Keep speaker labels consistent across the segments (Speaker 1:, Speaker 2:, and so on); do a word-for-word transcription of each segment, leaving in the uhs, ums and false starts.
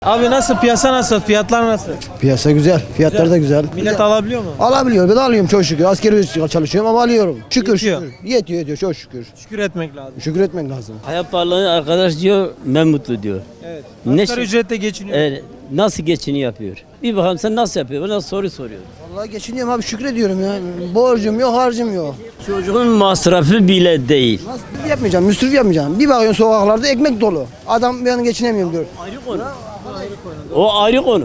Speaker 1: Abi nasıl, piyasa nasıl, fiyatlar nasıl?
Speaker 2: Piyasa güzel, fiyatlar da güzel.
Speaker 1: Millet
Speaker 2: Güzel.
Speaker 1: alabiliyor mu?
Speaker 2: Alabiliyor, ben de alıyorum çok şükür. Askeri ücret çalışıyorum ama alıyorum. Şükür
Speaker 1: Yetiyor.
Speaker 2: şükür. Yetiyor yetiyor çok şükür.
Speaker 1: Şükür etmek lazım.
Speaker 2: Şükür etmek lazım.
Speaker 3: Hayat pahalılığı arkadaş diyor, ben mutlu diyor.
Speaker 1: Evet.
Speaker 3: Ne
Speaker 1: Asgari
Speaker 3: şey-
Speaker 1: ücretle geçiniyor.
Speaker 3: Evet, nasıl geçini yapıyor? Bir bakalım sen nasıl yapıyor? Bana soru soruyor.
Speaker 2: Vallahi geçiniyorum abi şükrediyorum ya. Borcum yok, harcım yok.
Speaker 3: Çocuğun masrafı bile değil.
Speaker 2: Nasıl yapmayacağım, müsrif yapmayacağım. Bir bakıyorsun sokaklarda ekmek dolu. Adam ben geçinemiyorum diyor.
Speaker 3: Ayrı konu. O ayrı konu.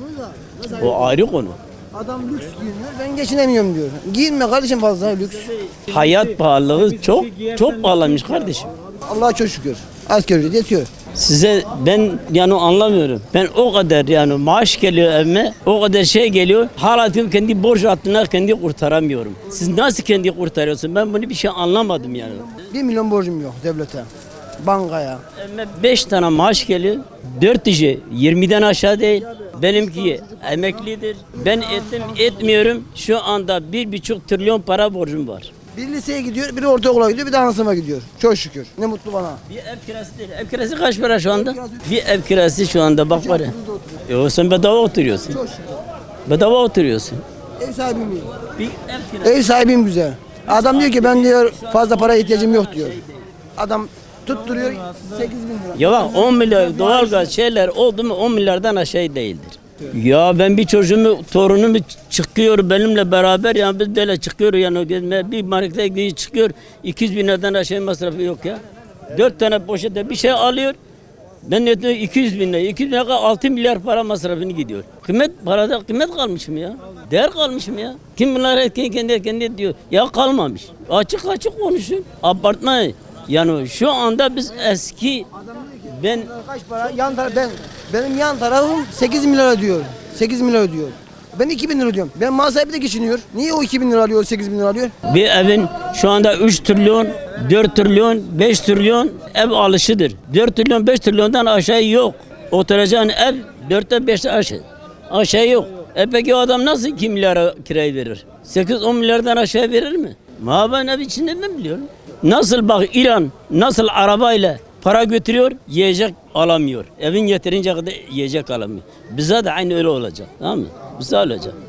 Speaker 3: O ayrı konu.
Speaker 2: Adam lüks giyiniyor, ben geçinemiyorum diyor. Giyinme kardeşim fazla lüks.
Speaker 3: Hayat pahalılığı çok çok pahalanmış kardeşim.
Speaker 2: Allah'a çok şükür. Asgari ücret yetiyor.
Speaker 3: Size ben yani anlamıyorum. Ben o kadar yani maaş geliyor evime, o kadar şey geliyor. Hala diyorum kendi borç hattına kendi kurtaramıyorum. Siz nasıl kendi kurtarıyorsun? Ben bunu bir şey anlamadım yani.
Speaker 2: Bir milyon borcum yok devlete. Bankaya.
Speaker 3: Evime beş tane maaş geliyor. dört kişi yirmiden aşağı değil. Benimki emeklidir. Ben ettim etmiyorum. Şu anda bir buçuk trilyon para borcum var.
Speaker 2: Bir liseye gidiyor, biri ortaokula gidiyor, bir de anasıma gidiyor. Çok şükür. Ne mutlu bana.
Speaker 3: Bir ev kirası değil. Ev kirası kaç para şu anda? Bir ev kirası şu anda bak var ya. E o sen bedava oturuyorsun.
Speaker 2: Çok şükür.
Speaker 3: Bedava oturuyorsun.
Speaker 2: Ev sahibim iyi.
Speaker 3: Bir ev kirası.
Speaker 2: Ev sahibim güzel. Adam diyor ki ben diyor fazla para ihtiyacım yok diyor. Adam tutturuyor sekiz bin lira.
Speaker 3: Ya bak on milyar doğalgaz şeyler oldu mu on milyardan aşağı değildir. Ya ben bir çocuğumu, torunumu çıkıyor benimle beraber yani biz böyle çıkıyor yani gezmeye, bir markete gidiyor çıkıyor iki yüz bin liradan aşağı masrafı yok ya. Dört tane poşette bir şey alıyor. Ben ne diyor iki yüz bin lira, iki yüz bin lira altı milyar para masrafını gidiyor. Kıymet parada kıymet kalmış mı ya? Değer kalmış mı ya? Kim bunlar kendi kendi kendi diyor. Ya kalmamış. Açık açık konuşun. Abartmayın. Yani şu anda biz eski ben
Speaker 2: Kaç para? Yan taraf ben benim yan tarafım sekiz bin lira ödüyor. sekiz bin lira ödüyor. Ben iki bin lira ödüyorum. Ben mal sahibi de geçiniyor. Niye o iki bin lira alıyor, sekiz bin lira alıyor?
Speaker 3: bir evin şu anda üç trilyon, dört trilyon, beş trilyon ev alışıdır. dört trilyon, beş trilyondan aşağı yok. Oturacağın ev dörtte beşte aşağı. Aşağı yok. E peki o adam nasıl iki milyara kirayı verir? sekiz on milyardan aşağı verir mi? Ma ben ev içinde ben biliyorum. Nasıl bak İran nasıl arabayla para götürüyor, yiyecek alamıyor. Evin yeterince kadar yiyecek alamıyor. Bize de aynı öyle olacak. Tamam mı? Bize olacak.